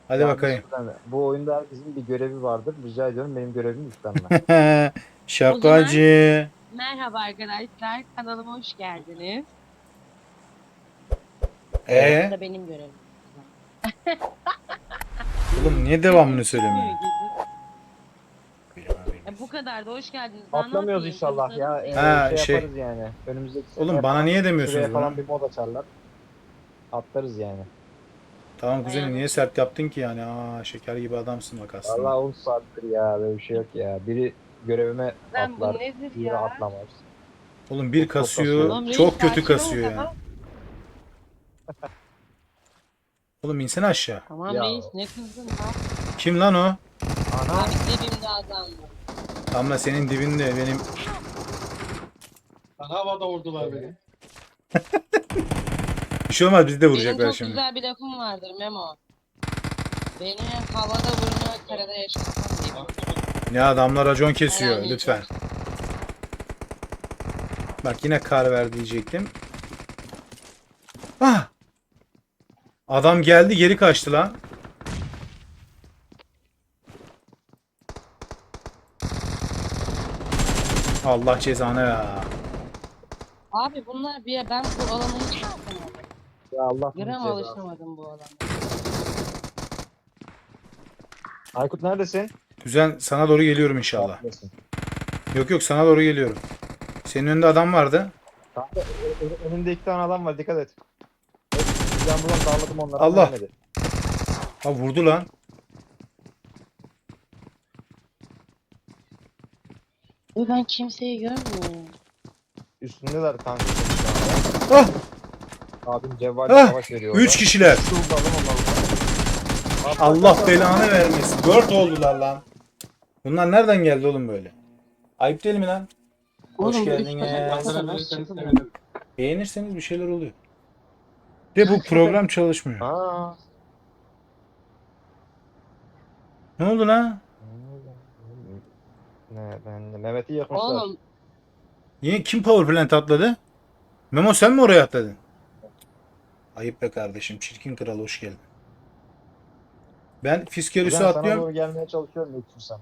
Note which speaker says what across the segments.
Speaker 1: Hadi
Speaker 2: Yalnız
Speaker 1: bakayım.
Speaker 2: bu oyunda herkesin bir görevi vardır. Rica ediyorum benim görevimi üstlenme.
Speaker 3: O zaman
Speaker 1: Şakacı.
Speaker 3: merhaba arkadaşlar. Kanalıma hoş geldiniz. Bu
Speaker 1: Ee,
Speaker 3: da benim görevim.
Speaker 1: oğlum niye devamını
Speaker 3: Sesim
Speaker 1: söylemiyor?
Speaker 3: çıkmıyor gibi. Bu kadar da hoş geldiniz. Daha ne
Speaker 2: Atlamıyoruz
Speaker 3: yapayım?
Speaker 2: inşallah
Speaker 3: Kanıtlarım
Speaker 2: ya.
Speaker 3: senin.
Speaker 1: Ha
Speaker 2: Şey
Speaker 1: şey.
Speaker 2: yaparız yani. Önümüzdeki seneye
Speaker 1: Oğlum bana
Speaker 2: falan
Speaker 1: niye demiyorsunuz
Speaker 2: şuraya
Speaker 1: bunu?
Speaker 2: falan bir mod açarlar. Atlarız yani.
Speaker 1: Tamam kuzenim
Speaker 3: Ayağına
Speaker 1: niye
Speaker 3: sağlık.
Speaker 1: sert yaptın ki yani? Aa şeker gibi adamsın bak aslında.
Speaker 2: Vallahi 10 saattir ya. Böyle bir şey yok ya. Biri görevime
Speaker 3: Ben bu
Speaker 2: atlar.
Speaker 3: nedir
Speaker 2: Diğeri
Speaker 3: ya?
Speaker 2: atlamaz.
Speaker 1: Oğlum bir
Speaker 2: Çok
Speaker 1: kasıyor.
Speaker 2: kasıyor.
Speaker 3: Oğlum reis
Speaker 1: Çok kötü
Speaker 3: sakin ol
Speaker 1: kasıyor yani.
Speaker 3: tamam.
Speaker 1: Oğlum insene aşağı.
Speaker 3: Tamam
Speaker 2: Ya.
Speaker 3: reis ne kızdın ya?
Speaker 1: Kim lan o?
Speaker 2: Ana.
Speaker 3: Abi dibimde adam var.
Speaker 1: Damla senin dibinde benim.
Speaker 4: Bana havada vurdular beni.
Speaker 1: Bir şey olmaz bizi de
Speaker 3: Benim
Speaker 1: vuracaklar
Speaker 3: çok
Speaker 1: şimdi.
Speaker 3: güzel bir lafım vardır Memo. Beni havada vurma karada yaşasam diye.
Speaker 1: Ya adamlar racon kesiyor
Speaker 3: Herhangi bir
Speaker 1: lütfen.
Speaker 3: şey.
Speaker 1: Bak yine kar ver diyecektim. Ah! Adam geldi geri kaçtı lan. Allah cezanı ya.
Speaker 3: Abi bunlar bir ben bu alana hiç alışamadım.
Speaker 2: Ya Allah bunu
Speaker 3: Gram
Speaker 2: cezası.
Speaker 3: alışamadım bu alana.
Speaker 2: Aykut neredesin?
Speaker 1: Güzel sana doğru geliyorum inşallah.
Speaker 2: Neredesin?
Speaker 1: Yok yok sana doğru geliyorum. Senin önünde adam vardı.
Speaker 2: Kanka önümde 2 tane adam var. Dikkat et. Ben buradan darladım onları ama
Speaker 1: Allah.
Speaker 2: yemedi.
Speaker 1: Ha vurdu lan.
Speaker 3: Ve ben kimseyi görmüyorum.
Speaker 2: Üstündeler kanka.
Speaker 1: Ah!
Speaker 2: Abim cevval
Speaker 1: Ah!
Speaker 2: savaş veriyor
Speaker 1: 3 kişiler.
Speaker 2: Şurada alın onları.
Speaker 1: Allah belanı vermesin. 4 oldular lan. Bunlar nereden geldi oğlum böyle? Ayıp değil mi lan? Hoş
Speaker 3: Oğlum bu üç
Speaker 1: geldiniz.
Speaker 3: kişi
Speaker 4: Kandırabilirseniz sevinirim.
Speaker 1: Beğenirseniz bir şeyler oluyor. De bu program çalışmıyor.
Speaker 2: Aa.
Speaker 1: Ne oldu lan?
Speaker 2: Ne ben de Mehmet'i yakmışlar.
Speaker 3: Oğlum
Speaker 1: Yine kim power plant atladı? Memo sen mi oraya atladın? Ayıp be kardeşim. Çirkin kral hoş geldin. Ben Fiskerius'u
Speaker 2: Kuzen sana
Speaker 1: atlıyorum.
Speaker 2: doğru gelmeye çalışıyorum yetişirsem.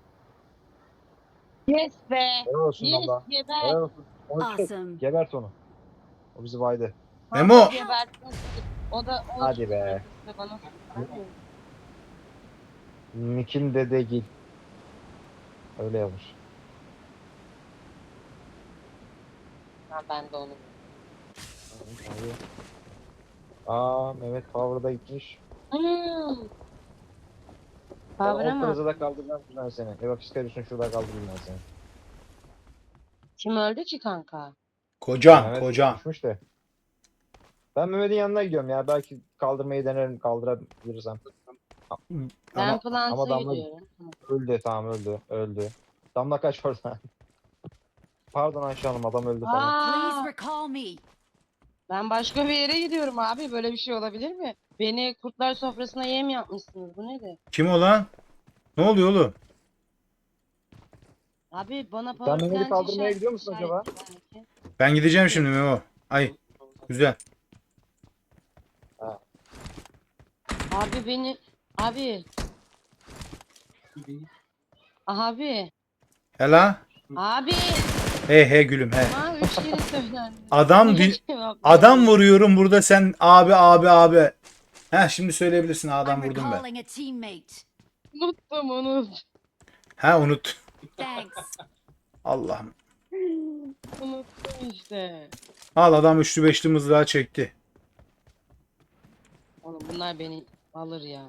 Speaker 3: yes be.
Speaker 2: Helal olsun
Speaker 3: Yes
Speaker 2: valla.
Speaker 3: geber.
Speaker 2: Helal olsun. Onu çek.
Speaker 5: Awesome.
Speaker 2: Gebert onu. O bizi vaydı.
Speaker 1: Memo.
Speaker 3: Kanka gebertin. O da o
Speaker 2: Hadi be.
Speaker 3: bana
Speaker 2: Nikin dede gil. Öyle yazmış.
Speaker 3: ben de onu.
Speaker 2: Abi. Aa Mehmet Power'da gitmiş.
Speaker 3: Hmm.
Speaker 2: Ben
Speaker 3: Kavra
Speaker 2: o
Speaker 3: mı?
Speaker 2: plazada kaldıracağım ben seni. Eva Fiskerius'un şurada kaldırayım ben seni.
Speaker 3: Kim öldü ki kanka?
Speaker 1: Kocan,
Speaker 2: Mehmet
Speaker 1: kocan.
Speaker 2: düşmüş de. Ben Mehmet'in yanına gidiyorum ya. Belki kaldırmayı denerim kaldırabilirsem.
Speaker 3: Ben
Speaker 2: Ama
Speaker 3: Plant'a
Speaker 2: Damla
Speaker 3: gidiyorum.
Speaker 2: öldü tamam öldü. Öldü. Damla kaç oradan. Pardon Ayşe Hanım adam öldü falan.
Speaker 5: Please
Speaker 3: Aa,
Speaker 5: recall me.
Speaker 3: ben başka bir yere gidiyorum abi. Böyle bir şey olabilir mi? Beni kurtlar sofrasına yem yapmışsınız. Bu nedir?
Speaker 1: Kim o lan? Ne oluyor oğlum?
Speaker 3: Abi bana
Speaker 2: Sen
Speaker 3: power
Speaker 2: Mehmet'i
Speaker 3: plant
Speaker 2: kaldırmaya gidiyor musun acaba?
Speaker 3: belki.
Speaker 1: Ben gideceğim şimdi Memo. Ay güzel.
Speaker 3: Abi beni... Abi. Abi.
Speaker 1: Hela.
Speaker 3: Abi.
Speaker 1: He he gülüm he.
Speaker 3: Bana 3 kere söylendi.
Speaker 1: Adam
Speaker 3: Niye
Speaker 1: di-
Speaker 3: cevap
Speaker 1: adam
Speaker 3: vermiyorsun?
Speaker 1: vuruyorum burada sen abi abi abi. Ha şimdi söyleyebilirsin adam
Speaker 5: I'm
Speaker 1: vurdum ben.
Speaker 5: recalling a teammate.
Speaker 3: Unuttum onu.
Speaker 1: Ha unut.
Speaker 5: Thanks.
Speaker 1: Allah'ım.
Speaker 3: Unuttum işte.
Speaker 1: Al adam üçlü beşli mızrağı çekti.
Speaker 3: Oğlum bunlar beni alır ya.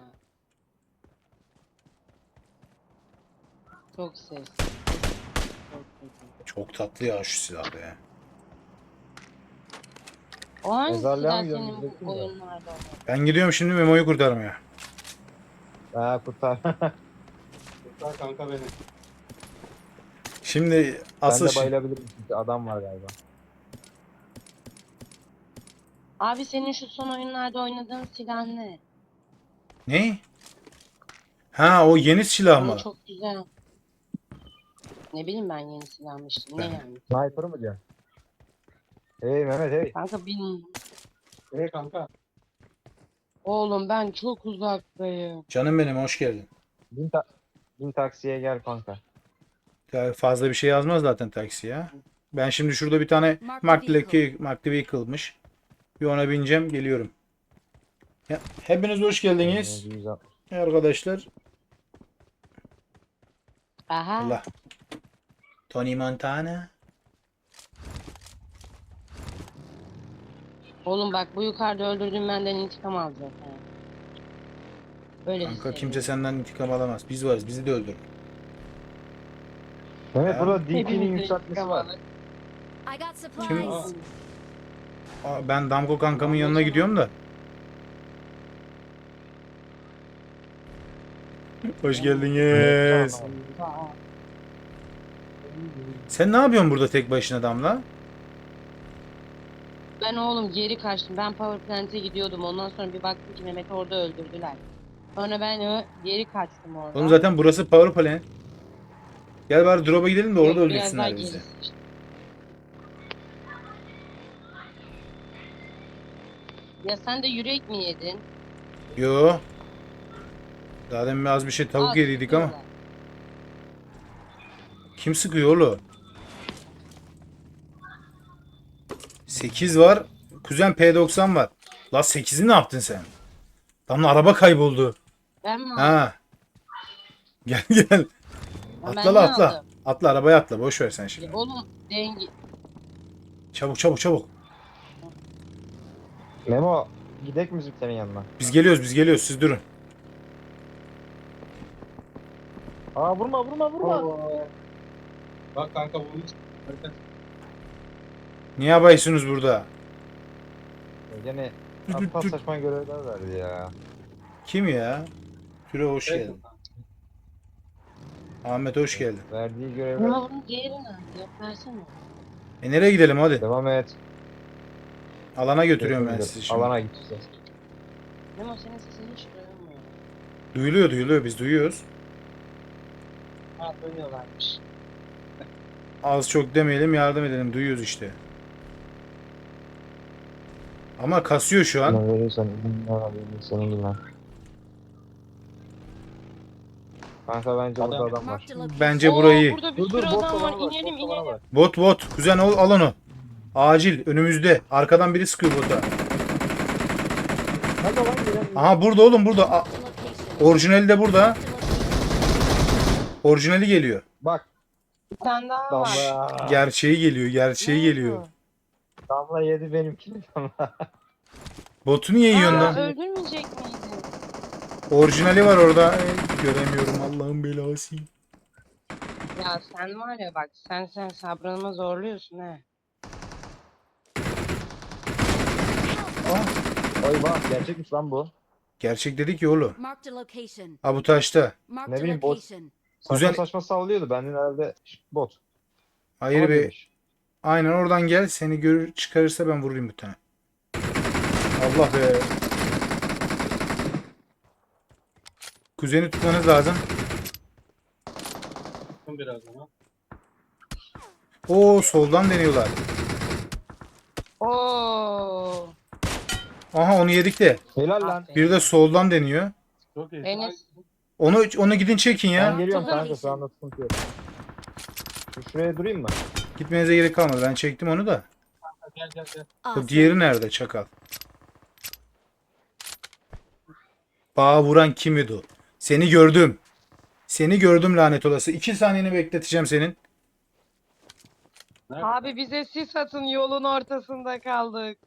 Speaker 3: Çok ses. Çok ses.
Speaker 1: Çok tatlı ya şu silah be.
Speaker 3: O hangi
Speaker 2: Mezarlığa
Speaker 3: silah
Speaker 2: mı
Speaker 3: senin
Speaker 2: gömüleceksin
Speaker 3: bu
Speaker 2: de?
Speaker 3: oyunlarda olan?
Speaker 1: Ben gidiyorum şimdi Memo'yu kurtarmaya.
Speaker 2: Ha kurtar.
Speaker 4: Kurtar kanka beni.
Speaker 1: Şimdi
Speaker 2: Ben
Speaker 1: asıl
Speaker 2: de
Speaker 1: şey.
Speaker 2: bayılabilirim çünkü adam var galiba.
Speaker 3: Abi senin şu son oyunlarda oynadığın silah ne?
Speaker 1: Ne? Ha o yeni silah
Speaker 3: Onu
Speaker 1: mı?
Speaker 3: çok güzel. Ne bileyim ben yeni silahmıştım. Ne
Speaker 1: Ben-
Speaker 3: yani?
Speaker 2: Sniper mı diyorsun? Hey Mehmet hey.
Speaker 3: Kanka bilmiyorum.
Speaker 4: Kanka.
Speaker 3: Oğlum ben çok uzaktayım.
Speaker 1: Canım benim hoş geldin.
Speaker 2: Bin taksiye gel kanka.
Speaker 1: Ya fazla bir şey yazmaz zaten taksi ya. Ben şimdi şurada bir tane Marked Vehicle'mış. Bir ona bineceğim geliyorum. Ya, hepiniz hoş geldiniz
Speaker 2: 160.
Speaker 1: arkadaşlar.
Speaker 3: Aha.
Speaker 1: Allah. Tony Montana.
Speaker 3: Oğlum bak bu yukarıda öldürdüğüm benden intikam alacak. Ha. Böyle
Speaker 1: Kanka
Speaker 3: hissediyorum.
Speaker 1: kimse senden intikam alamaz. Biz varız. Bizi de öldür.
Speaker 2: Evet
Speaker 1: Ha.
Speaker 2: burada DP'nin
Speaker 3: Hepimizin
Speaker 2: yükseltmesi
Speaker 3: intikam
Speaker 2: var.
Speaker 3: alır.
Speaker 5: I got supplies.
Speaker 1: Kim? Ben Damko kankamın yanına gidiyorum da. Hoş geldiniz. Sen ne yapıyorsun burada tek başına Damla?
Speaker 3: Ben oğlum geri kaçtım. Ben Power Plant'e gidiyordum. Ondan sonra bir baktım ki Mehmet'i orada öldürdüler. Sonra ben geri kaçtım oradan.
Speaker 1: Oğlum zaten burası Power Plant. Gel bari drop'a gidelim de orada
Speaker 3: Yok, biraz daha
Speaker 1: öldürsünler bizi.
Speaker 3: gerisi işte. Ya sen de yürek mi yedin?
Speaker 1: Yo. Daha demin az bir şey tavuk
Speaker 3: Aa,
Speaker 1: yediydik ama.
Speaker 3: sıkıyorlar.
Speaker 1: Kim sıkıyor oğlum? 8 var. Kuzen P90 var. La 8'i ne yaptın sen? Damla araba kayboldu.
Speaker 3: Ben mi aldım?
Speaker 1: Ha. Gel gel.
Speaker 3: Ben
Speaker 1: Atla
Speaker 3: ne
Speaker 1: la atla.
Speaker 3: aldım?
Speaker 1: Atla arabaya atla. Boş ver sen şimdi.
Speaker 3: Oğlum dengi.
Speaker 1: Çabuk çabuk çabuk.
Speaker 2: Memo gidek mi senin yanına?
Speaker 1: Biz geliyoruz siz durun.
Speaker 2: Aa vurma.
Speaker 4: Bak kanka bunu
Speaker 1: Niye yapıyorsunuz burada?
Speaker 2: Gene aptal saçma görevler verdi ya.
Speaker 1: Kim ya? Türe hoş geldin. Ahmet hoş geldin.
Speaker 2: Verdiği görevler.
Speaker 3: Ama bunun diğeri nerede? Yok versene.
Speaker 1: Nereye gidelim hadi.
Speaker 2: Devam et.
Speaker 1: Alana götürüyorum ben sizi şimdi.
Speaker 2: Alana gideceğiz.
Speaker 3: Memo senin sesini hiç duyulmuyor.
Speaker 1: Duyuluyor biz duyuyoruz.
Speaker 3: Ha duyuyorlarmış.
Speaker 1: Az çok demeyelim yardım edelim duyuyoruz işte. Ama kasıyor şu an.
Speaker 2: Bana verirsen senin lan. Kanka bence burada adam var.
Speaker 5: Marked a location.
Speaker 1: Bence burayı.
Speaker 3: Burada bir sürü adam var. İnelim.
Speaker 1: Bot. Kuzen al onu. Acil önümüzde. Arkadan biri sıkıyor bota.
Speaker 2: Hadi lan gidelim.
Speaker 1: Aha burada oğlum burada.
Speaker 5: Marked a location.
Speaker 1: Orijinali de burada.
Speaker 5: Marked a location.
Speaker 1: Orijinali geliyor.
Speaker 2: Bak
Speaker 3: Bir tane daha var.
Speaker 2: Damla.
Speaker 1: Gerçeği geliyor.
Speaker 2: Damla yedi benimkini Damla.
Speaker 1: Botu niye yiyorsun
Speaker 3: Aa,
Speaker 1: lan?
Speaker 3: öldürmeyecek miydin?
Speaker 1: Orijinali var orada. Göremiyorum Allah'ın belası.
Speaker 3: Ya sen var ya bak sen sabrımı zorluyorsun he.
Speaker 2: Oy bak gerçekmiş lan bu.
Speaker 1: Gerçek dedik ya oğlum.
Speaker 5: Marked a location.
Speaker 1: Ha bu taşta.
Speaker 5: Marked
Speaker 2: Ne
Speaker 5: a
Speaker 2: bileyim, bot.
Speaker 5: location.
Speaker 2: Saçma
Speaker 1: Güzel.
Speaker 2: saçma sallıyordu. Benden herhalde bot.
Speaker 1: Hayır
Speaker 2: Ama
Speaker 1: be.
Speaker 2: değilmiş.
Speaker 1: Aynen oradan gel. Seni görür çıkarırsa ben vurayım bir tane. Allah be. Kuzeni tutmanız lazım.
Speaker 4: biraz ama.
Speaker 1: Oo soldan deniyorlar.
Speaker 3: Oo.
Speaker 1: Aha onu yedik de.
Speaker 2: Helal lan.
Speaker 1: Bir de soldan deniyor.
Speaker 4: Çok iyi.
Speaker 3: Enes.
Speaker 1: Onu gidin çekin
Speaker 2: Ben
Speaker 1: ya.
Speaker 2: geliyorum
Speaker 5: Tamam.
Speaker 2: kanka şu anda sıkıntı yok. Şuraya durayım mı?
Speaker 1: Gitmenize gerek kalmadı. Ben çektim onu da.
Speaker 4: Gel.
Speaker 1: Bu
Speaker 5: Awesome.
Speaker 1: diğeri nerede çakal? Bağa vuran kimdi o? Seni gördüm. Seni gördüm lanet olası. 2 saniyeni bekleteceğim senin.
Speaker 4: Nerede?
Speaker 3: Abi bize sis atın yolun ortasında kaldık.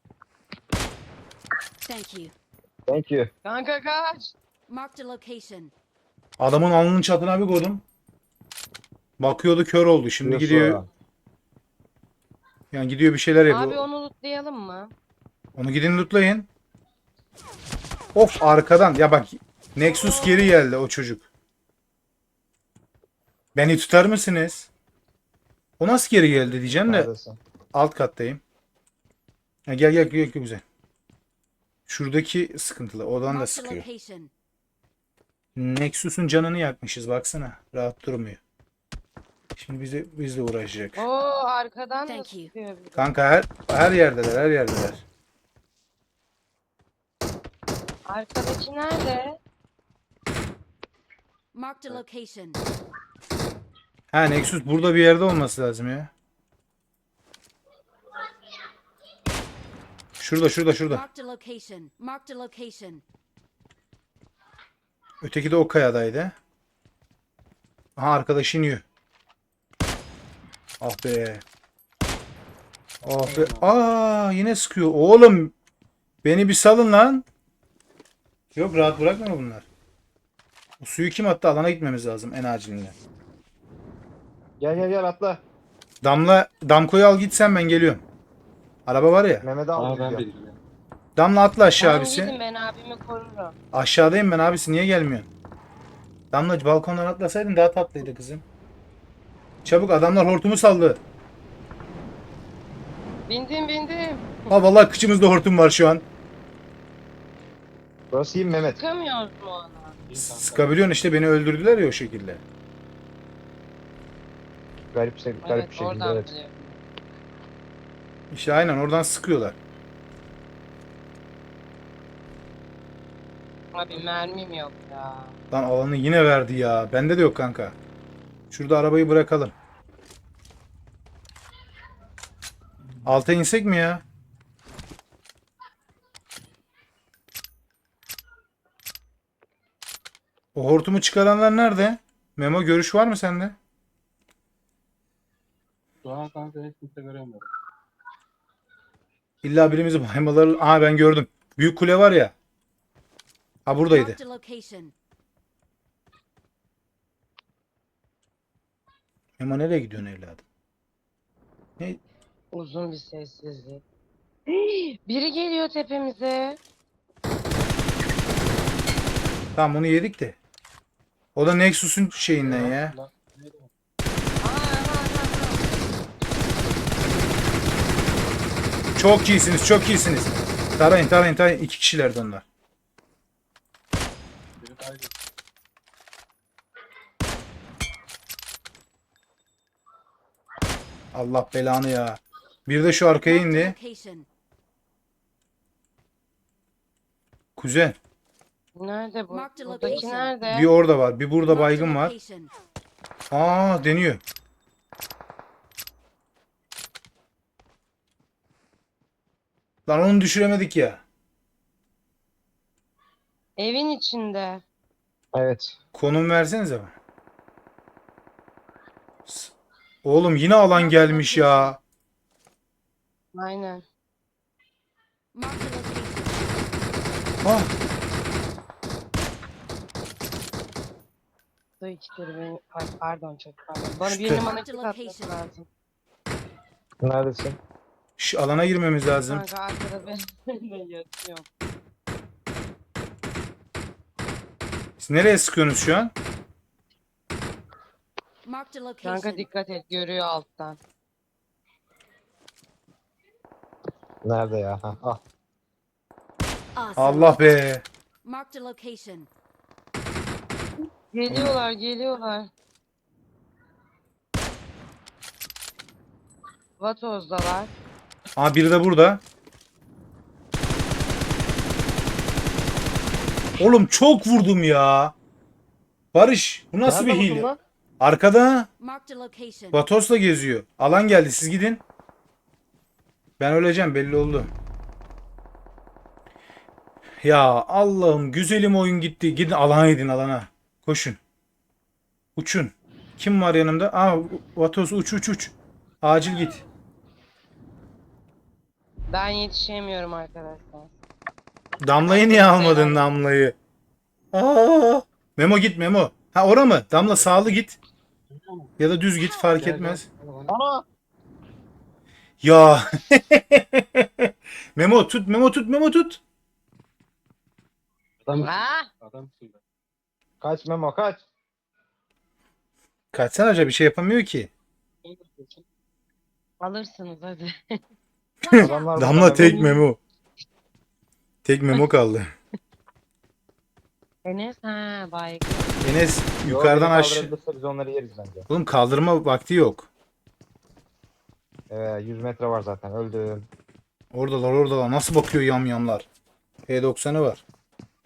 Speaker 5: Thank you.
Speaker 2: Thank you.
Speaker 3: Kanka kaç.
Speaker 5: Marked a location.
Speaker 1: Adamın alnının çatına bir koydum. Bakıyordu kör oldu. Şimdi
Speaker 2: Diyorsun
Speaker 1: gidiyor.
Speaker 2: ha.
Speaker 1: Yani gidiyor bir şeyler yapıyor.
Speaker 3: Abi onu lootlayalım mı?
Speaker 1: Onu gidin lootlayın. Of arkadan. Ya bak Nexus geri geldi o çocuk. Beni tutar mısınız? O nasıl geri geldi diyeceğim de
Speaker 2: Neredesin?
Speaker 1: alt kattayım. Ha, gel güzel. Şuradaki sıkıntılı. Odan da
Speaker 5: Marked a
Speaker 1: sıkıyor.
Speaker 5: location.
Speaker 1: Nexus'un canını yakmışız baksana. Rahat durmuyor. Şimdi bizle uğraşacak.
Speaker 3: Oo arkadan da
Speaker 5: Thank you.
Speaker 3: sıkıyor bizi.
Speaker 1: Kanka her yerdeler.
Speaker 3: Arkadaki nerede?
Speaker 5: Marked a location.
Speaker 1: Ha Nexus burada bir yerde olması lazım ya. Şurada.
Speaker 5: Marked a location. Marked a location.
Speaker 1: Öteki de o kayadaydı. Aha arkadaş iniyor. Ah be. Ah be. Aa yine sıkıyor. Oğlum beni bir salın lan. Yok rahat bırakma bunlar. Bu suyu kim attı? Alana gitmemiz lazım en acilinde.
Speaker 2: Gel atla.
Speaker 1: Damko'yu al git sen ben geliyorum. Araba var ya.
Speaker 2: Mehmet'i
Speaker 4: Aa
Speaker 2: al
Speaker 4: ben
Speaker 2: gidiyor.
Speaker 4: bildim.
Speaker 1: Damla atla aşağı
Speaker 3: Tamam
Speaker 1: abisi.
Speaker 3: gidin ben abimi korurum.
Speaker 1: Aşağıdayım ben abisi niye gelmiyorsun? Damla balkondan atlasaydın daha tatlıydı kızım. Çabuk adamlar hortumu saldı.
Speaker 3: Bindim.
Speaker 1: Ha vallahi kıçımızda hortum var şu an.
Speaker 2: Burası iyi mi Mehmet?
Speaker 3: Çıkamıyoruz mu ona?
Speaker 1: Sıkabiliyorsun işte beni öldürdüler ya o şekilde.
Speaker 2: Garip bir
Speaker 3: Evet
Speaker 2: şekilde
Speaker 3: oradan
Speaker 2: evet.
Speaker 3: biliyorum.
Speaker 1: İşte aynen oradan sıkıyorlar.
Speaker 3: Abi mermim yok ya.
Speaker 1: Lan alanı yine verdi ya. Bende de yok kanka. Şurada arabayı bırakalım. Alta insek mi ya? O hortumu çıkaranlar nerede? Memo görüş var mı sende?
Speaker 4: Şu an kanka hiç kimse göremiyorum.
Speaker 1: İlla birimizi baymaları... Aa ben gördüm. Büyük kule var ya. Ha buradaydı.
Speaker 5: Marked a location.
Speaker 1: Memo nereye gidiyorsun evladım? Ne?
Speaker 3: Uzun bir sessizlik. Biri geliyor tepemize.
Speaker 1: Tamam onu yedik de. O da Nexus'un şeyinden ya.
Speaker 4: Lan, neydi o?
Speaker 1: Çok iyisiniz. Tarayın. İki kişilerdi onlar.
Speaker 4: Biri kaydı.
Speaker 1: Allah belanı ya. Bir de şu arkaya
Speaker 5: Marked a
Speaker 1: indi.
Speaker 5: location.
Speaker 1: Kuzen.
Speaker 3: Nerede bu?
Speaker 5: Marked a
Speaker 3: Buradaki
Speaker 5: location.
Speaker 3: nerede?
Speaker 1: Bir orada var. Bir burada
Speaker 5: Marked a
Speaker 1: baygın var.
Speaker 5: location.
Speaker 1: Aa deniyor. Lan onu düşüremedik ya.
Speaker 3: Evin içinde.
Speaker 2: Evet.
Speaker 1: Konum versenize bana. Oğlum yine alan gelmiş ya.
Speaker 3: Aynen.
Speaker 5: Marked a location.
Speaker 1: Ah.
Speaker 3: Su içtir beni. Ay, pardon çok pardon. Bana
Speaker 1: İşte.
Speaker 3: birinin bana
Speaker 5: Marked
Speaker 3: kit
Speaker 5: location.
Speaker 3: atması lazım.
Speaker 2: Neredesin?
Speaker 1: Şu alana girmemiz lazım.
Speaker 3: Kanka arkada ben de yatıyorum.
Speaker 1: Siz nereye sıkıyorsunuz şu an?
Speaker 5: Marked a
Speaker 3: Kanka
Speaker 5: location.
Speaker 3: dikkat et görüyor alttan.
Speaker 2: Nerede ya? Ha, ah.
Speaker 5: Awesome.
Speaker 1: Allah be.
Speaker 5: Marked a location.
Speaker 3: Geliyorlar. Vatoz'dalar.
Speaker 1: Aa biri de burada. Oğlum çok vurdum ya. Barış bu nasıl
Speaker 2: Nerede
Speaker 1: bir
Speaker 2: buldun
Speaker 1: hile?
Speaker 2: lan?
Speaker 1: Arkada
Speaker 5: Marked a location.
Speaker 1: Vatos'la geziyor. Alan geldi siz gidin. Ben öleceğim belli oldu. Ya Allah'ım güzelim oyun gitti. Gidin alana gidin alana. Koşun. Uçun. Kim var yanımda? Aa Vatos uç. Acil git.
Speaker 3: Ben yetişemiyorum arkadaşlar.
Speaker 1: Damlayı niye almadın Damlayı? Aa! Memo git Memo. Ha ora mı? Damla sağlı git.
Speaker 4: Duyuyor musun?
Speaker 1: Ya da düz git fark
Speaker 4: Gel,
Speaker 1: etmez.
Speaker 4: gel.
Speaker 2: Ana!
Speaker 1: Ya. Memo tut.
Speaker 4: Adam,
Speaker 3: Ah!
Speaker 4: adam suyla.
Speaker 2: Kaç Memo kaç.
Speaker 1: Kaçsana hoca bir şey yapamıyor ki.
Speaker 3: Alırsınız hadi.
Speaker 5: Watch out.
Speaker 2: Adamlar
Speaker 1: Damla
Speaker 2: burada,
Speaker 1: tek
Speaker 2: Memo.
Speaker 1: Memo. Tek Memo kaldı.
Speaker 3: Enes ha baygın.
Speaker 1: Enes
Speaker 2: Yo,
Speaker 1: yukarıdan
Speaker 2: beni
Speaker 1: aşağı.
Speaker 2: kaldırabilirse biz onları yeriz bence.
Speaker 1: Oğlum kaldırma vakti yok.
Speaker 2: 100 metre var zaten öldüm.
Speaker 1: Oradalar. Nasıl bakıyor yamyamlar? P90'ı var.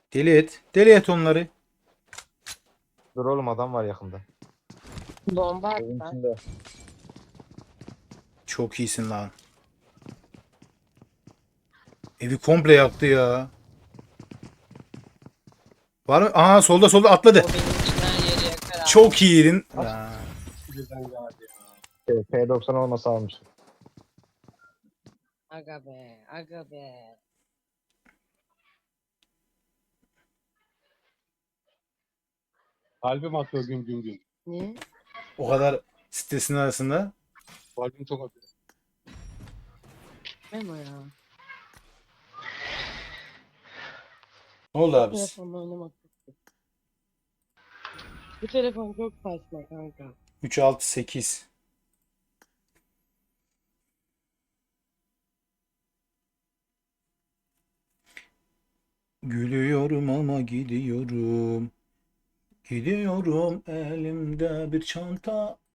Speaker 1: Deli et. Deli et onları.
Speaker 2: Dur oğlum adam var yakında.
Speaker 3: Bomba
Speaker 2: Evin
Speaker 3: atlar.
Speaker 2: içinde.
Speaker 1: Çok iyisin lan. Evi komple yaktı ya. Var mı? Aha solda solda atladı.
Speaker 3: O benim için her yeri yakar abi.
Speaker 1: Çok iyiydin. Ya.
Speaker 4: Birden geldi ya.
Speaker 2: P90 olmasa almıştım.
Speaker 3: Aga be. Aga be.
Speaker 4: Kalbim atıyor gün gün gün.
Speaker 3: Ne?
Speaker 1: O kadar stresin arasında.
Speaker 4: Kalbim çok atıyor.
Speaker 3: Memo ya.
Speaker 1: Ne oldu abi?
Speaker 3: Telefonla oynamak çok kötü. Bu telefon çok saçma kanka.
Speaker 1: 3 6 8. Gülüyorum ama gidiyorum. Gidiyorum elimde bir çanta.